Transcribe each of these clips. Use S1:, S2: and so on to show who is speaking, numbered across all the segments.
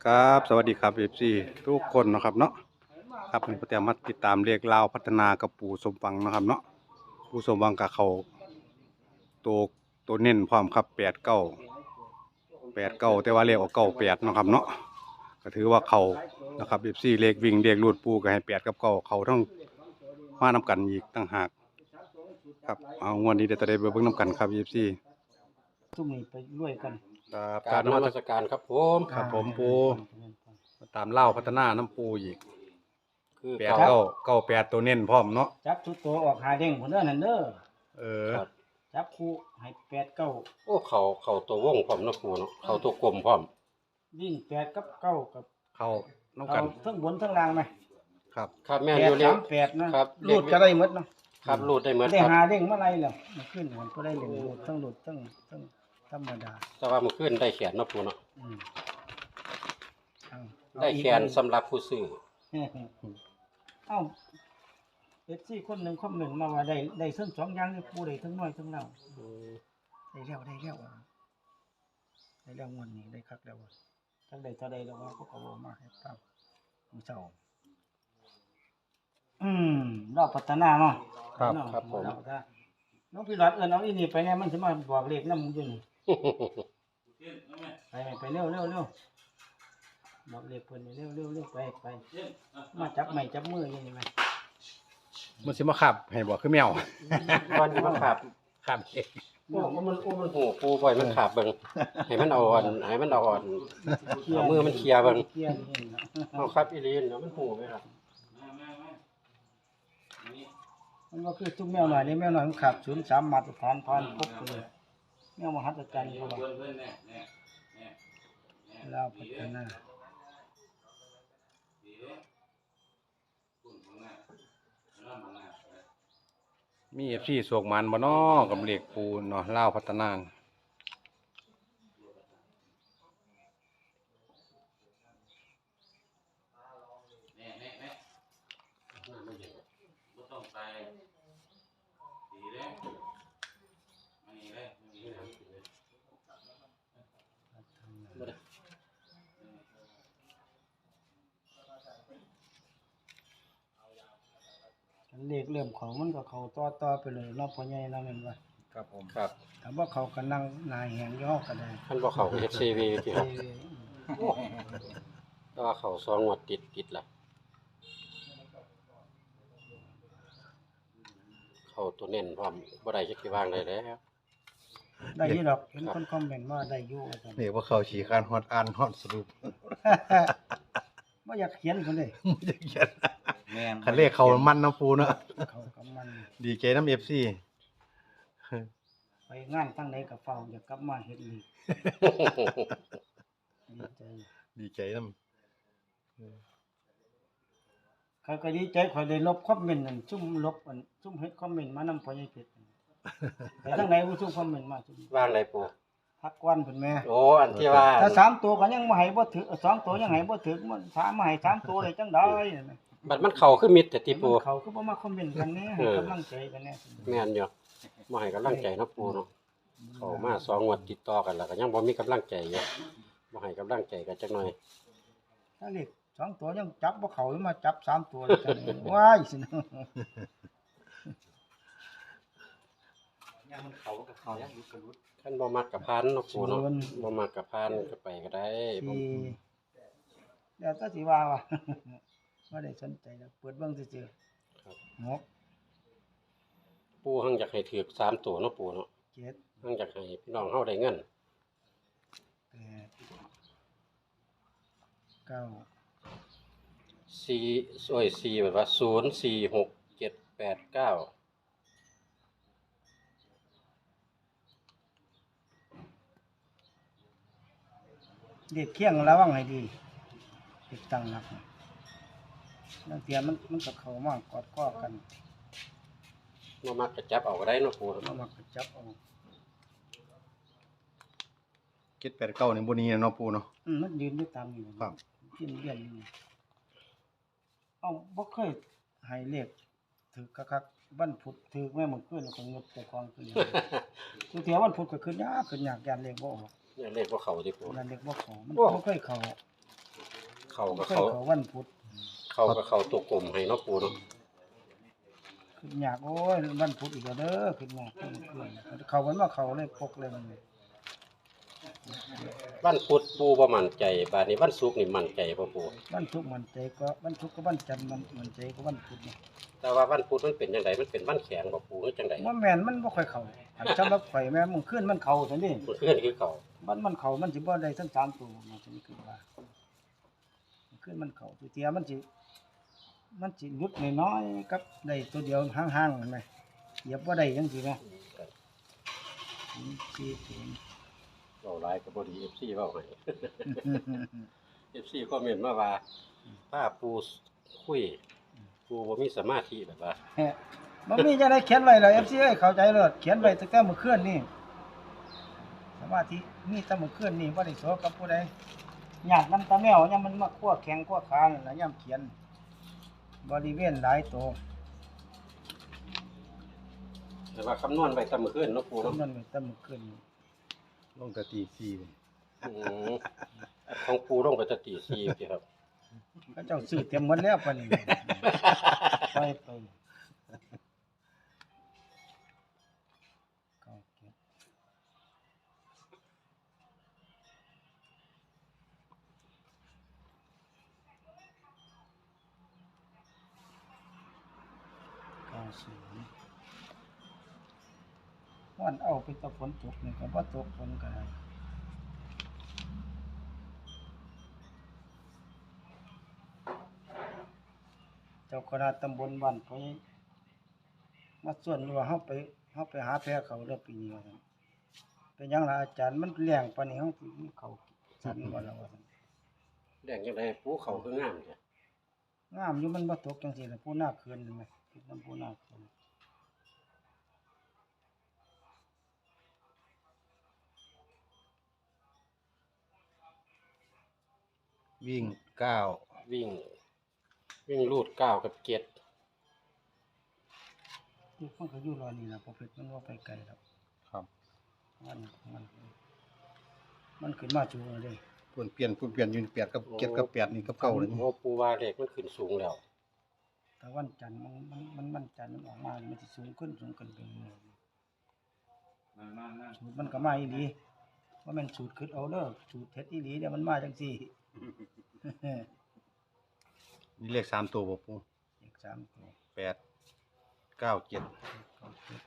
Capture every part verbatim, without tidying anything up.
S1: ครับสวัสดีครับเอฟซีทุกคนนะครับเนาะครับวันนี้ผมจะมาติดตามเรียกลาวพัฒนากับปู่สมหวังนะครับเนาะปู่สมหวังกับเขาตัวตัวเน้นพร้อมครับแปดเก้าแปดเก้าแต่ว่าเรียกออกเก้าแปดนะครับเนาะก็ถือว่าเขานะครับเอฟซีเลขวิ่งเลขรูดปู่ก็ให้แปดกับเก้าเขาทั้งมานำกันอีกต่างหากครับเอางวดนี้เดี๋ยวจะได้เบิ่งนำกันครับเอฟซี
S2: ทุ่มนี้ไปรวยกัน
S1: ครับ
S3: กา
S1: การ
S3: รน
S1: นมั
S3: มั
S1: ส
S3: สการครับผม
S1: ครับผมปู่ตามเล่าพัฒนาน้ำปูอีก
S3: คือ
S1: แปด
S3: เขา
S1: เก้าเก้าแปดตัวเน้นพร้อมเนาะ
S2: จับทุกตัวออกหาเด้งผลเด้อนั่นเด้อ
S1: เออ
S3: ครับ
S2: จับคู่ให้แปดเก้า
S3: โอ้เขาเขาตัววงพร้อมเนาะครูเนาะเขาตัวกลมพร้อม
S2: วิ่งแปดกับเก้ากับ
S1: เข้าน้ำ
S2: เอา
S1: กัน
S2: ทั้งบนทั้งล่างไหม
S1: ครับ
S3: ครับแม่น
S2: แป
S3: อ
S2: ด
S3: ยู่เรีย
S2: สาก มแปดนะครับ
S3: เรี
S2: รู
S3: ยก
S2: ดก็ได้หมดเนาะ
S3: ครับรูดได้เหมือน
S2: ได้
S3: ครับ
S2: หาเด้งเมื่อไรแล้วมันขึ้นมันก็ได้เล่นรูดทั้งรูดทั้งทั้งธรรมดา
S3: แต่ว่ามันขึ้นได้แขนเนาะครูเนาะ
S2: อืมเอาเอา
S3: ได้
S2: อีก
S3: แขนสำหรับผู้ซื้อ
S2: เอ้าเอฟซีคนหนึ่งคอมเมนต์มาว่าได้ได้ทั้งสองอย่างนี่ผู้ใดทั้งน้อยทั้งเรา
S3: อืม
S2: ได้แล้วได้แล้วอ่ะได้แล้วงวดนี้ได้คักแล้วอ่ะทั้งใดเท่าใดแล้วว่าเขาก็บอกมาให้ฟังมื้อเช้าอืมรอบพัฒนาเนาะ
S1: ครับ
S2: เนาะ
S3: ครับผม
S2: รอบพัฒนาน้องพี่หลอดเอิ้นเอาอีนี่ไปแน่มันสิมาบอกเลขนำมึงอยู่นี่ไปไปเร็วเร็วเร็วบอกเลขเพิ่นนี่เร็วเร็วเร็วไปไปมาจับไม้จับมืออยู่นี่แม่
S1: มันสิมาขับให้บอกคือแมว
S3: วันนี้มันขาบ
S1: ขับ
S3: โอ้มันโอ้มันโหปูปล่อยมันขาบเบิ่งให้มันเอาอ่อนให้มันเอาอ่อนเอามือมันเคลียร์เบิ่ง
S2: เคลียร์นี่นะ
S3: เอาครับอีลีนเนาะมันโหไหมครับ
S2: มันก็คือทุกแมวหน่อยนี่แมวหน่อยมันขับศูนย์สามมาตรฐานผ่านครบเลยแมวมหัศจรรย์เขาว่าเราพัฒนา
S1: มีเอฟซีสวกมันบ่น้อกับเหล็กปูนเนาะเล่าวพัฒนา
S2: เลขเริ่มเขามันก็เขาต่อต่อไปเลยเนอกพ่อใหญ่นะแม่นว่า
S1: ครับผม
S3: ครับ
S2: ถ้าว่าเขาก็นั่งนายแหงย่อก็ได้
S3: ท่านบ่เข้า เอช ซี วี ที่ครับ
S2: เอ้ย
S3: แต่ว่าเขาสองงวดติดติดละเขาตัวเน้นพร้อมบ่ได้จักสิวางได้แล้ว
S2: ได้อยู่ดอกเห็นคนคอมเมนต์ว่าได้อยู่ว่าซั่น
S1: เรียกว่าเขาฉีการฮอดอ่านฮอดสรุป
S2: บ่อยากเขียนคนเลย
S1: ไม่ได้เขียนคันเลขเขามันน้ำปูเนาะ
S2: เขากับมัน
S1: ดีใจน้ำเอฟซี
S2: ไปงานทั้งใดก็เฝ้าอยากกลับมาเฮ็ดอีกดีใจ
S1: ดีใจน้
S2: เขาก็ดีใจข่อยได้ลบคอมเมนต์นั่นซุ่มลบอันซุ่มเฮ็ดคอมเมนต์มานำพ่อใหญ่เพชรไปทางไหนผู้ซุ่มคอมเมนต์มาซุ่ม
S3: วางได้ปู
S2: พักวันเพิ่นแม่
S3: โอ้อันที่ว่า
S2: ถ้าสามตัวก็ยังบ่ให้บ่ถึงสองตัวยังให้บ่ถึงมันสามมาให้สามตัวได้จังได๋
S3: บัดมันเข้าคือมิดแต่ติปู
S2: เขาคือบ่มาคอมเมนต์กันแน่ให้กำลังใจกันแน่
S3: แม่นอยู่บ่ให้กำลังใจเนาะปูเนาะเข้ามาสองงวดติดต่อกันแล้วก็ยังบ่มีกำลังใจอยู่บ่ให้กำลังใจกันจักหน่อย
S2: ถ้าเลขสองตัวยังจับบ่เข้ายังมาจับสามตัวเลยจังได๋ว้ายสินะ
S3: คันบ่มักกับพานเนาะปูเนาะบ่มักกับพานก็ไปก็ได้บ่
S2: ที่แล้วก็สิว่าว่า บ่ได้สนใจแล้วเปิดเบิ่งซื่อ
S3: ครับ
S2: ๆหก
S3: ปูหังอยากให้ถูกสามตัวเนาะปูเนาะ
S2: เจ็ด
S3: หังอยากให้พี่น้องเฮาได้เงิน
S2: แปดเก้า
S3: สี่โอ้ยสี่แบบว่าศูนย์ สี่ หก เจ็ด แปด เก้า
S2: เลขเคียงระวังให้ดีเลขตั้งหลักบางเทียมันมันก็เข้ามากอดข้อกัน
S3: บ่มักก็จับเอาก็ได้เนาะปู
S2: มา
S3: เนาะ
S2: มักก็จับเอา
S1: ำเจ็ดแปดเก้าในบุนี้เนาะปูเนาะ
S2: อืมมันยืนอยู่ตามอยู่
S1: ครับ
S2: ยืนเรียนอยู่เอ้าบ่เคยให้เลขถือคักๆวันพุธถือแม่มื้อคืนก็งดแต่ของคือหยังทุกเที่ยวันพุธก็ขึ้นยากขึ้นยากยานเลขบ่ออก
S3: เนี่ยเลขบ่เข้าติปู
S2: ยานเลขบ่เข้ามัน
S3: โอ้
S2: บ่เคยเข้า
S3: เขาก็
S2: เคย
S3: เขา
S2: เขาวันพุธ
S3: เขาก็เขาตัวกลมให้เนาะปูเนาะ
S2: ขึ้นยากโอ้ยวันพุธอีกแล้วเด้อขึ้นยากขึ้นขึ้นเขาวันว่าเขาเลยปกเลยมัน
S3: วันพุธปูบ่มั่นใจบาดนี้วันศุกร์นี่มั่นใจบ่ปู
S2: วันศุกร์มันใจก็วันศุกร์ก็วันจันทร์มันมันใจก็วันพุธเนี่ย
S3: แต่ว่าวันพุธมันเป็นจังไดมันเป็นวันแข็งบ่ปูหรือจังได
S2: ว่าแม่นมันบ่ค่อยเข้าอันสำหรับข่อยแม่มึงขึ้นมันเข้าซั่นนี่
S3: มันขึ้นคือเก่า
S2: มันมันเข้ามันสิบ่ได้ทั้งสามตัวมันสิคือว่ามันขึ้นมันเข้าตัวเตียมันสิมันสิหยุดน้อยๆกับได้ตัวเดียวห่างๆเห็นไหมเหยียบบ่ได้จังซี่แหมสี่ศูนย์
S3: เว้าหลายก็บ่ดี เอฟ ซี เว้าให้ เอฟ ซี คอมเมนต์มาว่าป้าปูคุยปูบ่มีสมาธิแบบว่า
S2: แฮะมันมีจังได๋เขียนไว้แล้ว เอฟ ซี เอ้ยเข้าใจเลิศเขียนไว้ตั้งแต่เมื่อคืนนี่สมาธิมีแต่เมื่อคืนนี่บ่ได้สอกับผู้ใดญาตินำตาแมวยามมันมาคั่วแข้งคั่วขานั่นล่ะยามเขียนบริเวณหลายตัว
S3: แต่ว่าคำนวณไว้แต่มื้อคืนเนาะปูเนาะ
S2: นั่นไว้แต่เมื่อคืนนี่
S1: ลงแต่ตีสี่เลย
S3: อืมของปูลงไปแต่ตีสี่สิครับ
S2: เขาเจ้าซื้อเต็มหมดแล้วปานนี้ไปไปเก้าเจ็ดเก้าศูนย์วันเอาไปตะฝนตกนี่ก็บ่ตกฝนก็ได้เจ้าคณะตำบลบ้านเขามาส่วนว่าเฮาไปเฮาไปหาแพ้เขาเด้อปีนี้ว่าซั่นเป็นหยังล่ะอาจารย์มันแรงปานนี้เฮาสิมีเขาสั่นบ่ล่ะว่าซั่น
S3: แดงจังไดปูเขาคืองามแท้
S2: งามอยู่มันบ่ตกจังซี่ล่ะผู้หน้าเคือนนั่นแหมคิดนำผู้หน้าเคือน
S1: วิ่งเก้า
S3: วิ่ง วิ่งรูดเก้ากับเจ็ด
S2: ที่มันก็อยู่รอนี่ล่ะบ่เพชรมันบ่ไปไกลดอก
S1: ครับ
S2: มันมันมันขึ้นมาจูเลยเด้
S1: เปลี่ยนเปลี่ยนเปลี่ยนอยู่แปดกับเจ็ดกับแปดนี่กับเก้าเลย
S3: โอ้ปูว่าเลขมันขึ้นสูงแล้ว
S2: แต่วันจันทร์มันมันมันมันจันทร์มันออกมานี่มันสิสูงขึ้นสูงขึ้นไปเรื่อยๆสูตรมันก็มาอีหลีว่าแม่นสูตรคิดเอาเด้อสูตรเฮ็ดอีหลีเดี๋ยวมันมาจังซี่
S1: นี่เลขสามตัวบ่ปู
S2: เลขสามตัว
S1: แปดเก้าเจ็ด
S2: เก้าเจ็ด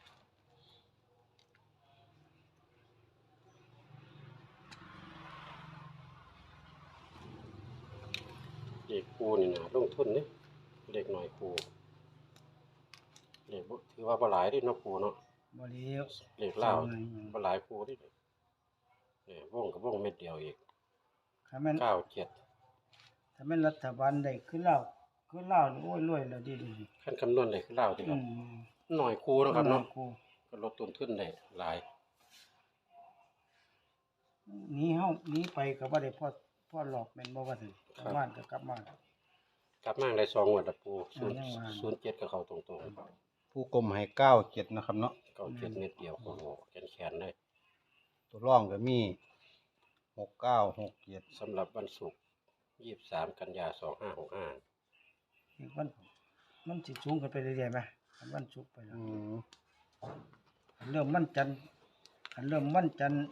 S3: เลขปูนี่นะลงทุนเด้เลขหน่อยปูเลขบ่ถือว่าบ่หลายเด้เนาะปูเนาะ
S2: บ่เลี้ยว
S3: เลขลาวบ่หลายปูเด้เนี่ยวงกับวงเม็ดเดียวอีก
S2: ถ้าแม่น
S3: เก้าเจ็ด
S2: ถ้าแม่นรัฐบาลได้ขึ้นแล้วขึ้นแล้วนี่โอ้ยรวยแล้วดีดี
S3: ขั้นคำนวณได้คือลาวติค
S2: อื
S3: รับ
S2: ม
S3: หน่อยคูเนาะครับเนาะ
S2: กู
S3: ก็ลดต้นทุนได้หลาย
S2: หนีเฮาหนีไปก็บ่ได้พอพอหลอกแม่นบ่ว่าซั่นกลับบ้านก็กลับมา
S3: กลับมาได้สองงวดละปู
S2: เอายังว่า
S3: ศูนย์เจ็ดก็เข้าตรง
S1: ผู้กลมให้เก้าเจ็ดนะครับเนาะ
S3: ๆเก้าเจ็ดเม็ดเดียวโอ้โหแขนๆเลย
S1: ตัวร่องก็มีหกเก้าหกเจ็ด
S3: สำหรับวันศุกร์ยี่สิบสามกันยาสองห้าหกห้า
S2: อีกวันมันสิสูงขึ้นไปเรื่อยๆไหมอันวันศุกร์ไปแล้ว
S1: อืม
S2: อันเริ่มวันจันทร์อันเริ่มวันจันทร์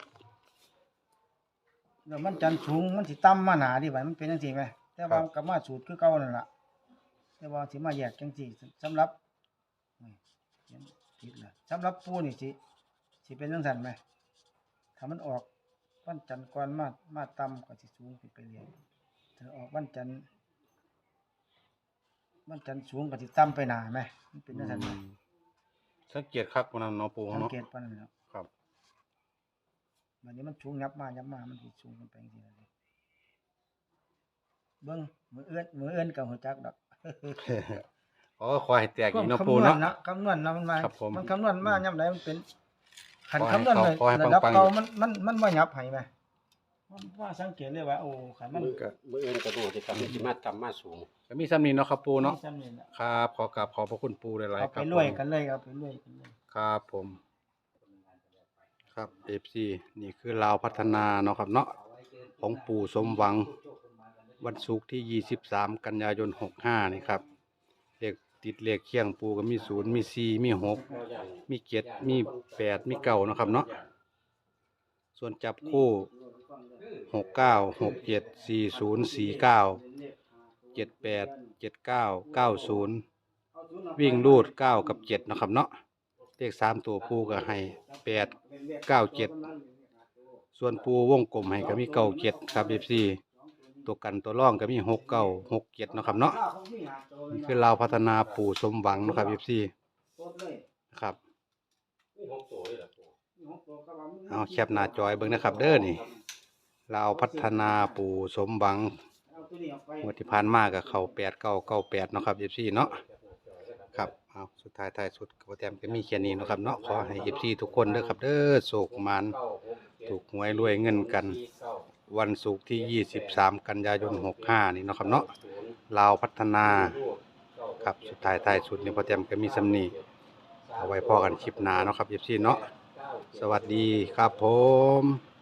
S2: เริ่มวันจันทร์สูงมันสิต่ำมาหนาดิบัดมันเป็นจังซี่ไหมแต่ว่ามันก็มาสูตรคือเก่านั่นล่ะแต่ว่าสิมาแยกจังซี่สำหรับอุ้ยเขียนผิดล่ะสำหรับปูนี่สิสิเป็นจังซั่นไหมถ้ามันออกวันจันทร์ก่อนมามาต่ำก็สิสูงขึ้นไปเรื่อยถ้าออกวันจันทร์วันจันทร์สูงก็สิต่ำไปหนาไหมมันเป็นจังซั่นไหม
S1: สังเกตคักวันนั้นเนาะปู
S2: สัง
S1: เนาะ
S2: เกตปานนั้นแหล้ว
S1: ครับ
S2: วันนี้มันสูงยับมายับมามันสิสูงขึ้นไปจังซี่ล่ะเด้เบิ่งมือเอื้อนมือเอื้อนก็ฮู้จักดอก
S1: อ๋อขอให้แตกอีกเนาะ
S2: คำ
S1: ปู
S2: นว
S1: เนาะ
S2: ณนะคำนวณนะมันมา
S1: ครับผม
S2: มันคำนวณมายามใดมันเป็นขัน
S1: ขอให้
S2: คำนวณเลย
S1: ขอให้
S2: ระดับ
S1: ปังๆ
S2: เก่ามันมันมันบ่ยับให้ไหมมันว่าสังเกตเลยว่าโอ้ขันมัน
S3: มือมืออื่นก็ดูสิครับมันสิมาต่ำมาสูง
S1: ก็มีซ้ำนี้เนาะครับปูเนาะ
S2: จำนี่แหละ
S1: ครับขอกราบขอบพระคุณปูหลาย
S2: เอา
S1: ๆค
S2: ไป
S1: รับ
S2: รวย
S1: ผม
S2: กันเลยเอาไปรวยกันเลย
S1: ครับผม ครับ เอฟ ซี นี่คือลาวพัฒนาเนาะครับเนาะของปู่สมหวังวันศุกร์ที่ยี่สิบสามกันยายนหกห้านี่ครับเลขติดเลขเคียงปูก็มีศูนย์มีสี่มีหกมีเจ็ดมีแปดมีเก้านาะครับเนาะส่วนจับคู่หกเก้าหกเจ็ดสี่ศูนย์สี่เก้าเจ็ดแปดเจ็ดเก้าเก้าศูนย์วิ่งรูดเก้ากับเจ็ดนะครับเนาะเลขสามตัวปูก็ให้แปดเก้าเจ็ดส่วนปูวงกลมให้ก็มีเก้าเจ็ดครับเอฟซีตัวกันตัวร่องก็มีหกเก้าหกเจ็ดนะครับเนาะนี่คือเราพัฒนาปู่สมหวังนะครับเอฟซีครับ
S3: มีหกตัวเลยล่ะปู
S1: เอาแคปหน้าจอยเบิ่งนะครับเด้อนี่เราพัฒนาปู่สมหวังงวดที่ผ่านมากับเขาแปดเก้าเก้าแปดนาะครับเอฟซีเนาะครับเอาสุดท้ายท้ายสุดกระเทียมก็มีแค่นี้เนาะครับเนาะขอให้เอฟซีทุกคนเด้อครับเด้อโศกมันถูกหวยรวยเงินกัน วันศุกร์ที่ยี่สิบสามกันยายนหกห้านี่เนาะครับเนาะลาวพัฒนาครับสุดท้ายท้ายสุดนี่พอเตรียมก็มีสำนีเอาไว้พอกันคลิปหน้าเนาะครับเอฟซีเนาะสวัสดีครับผม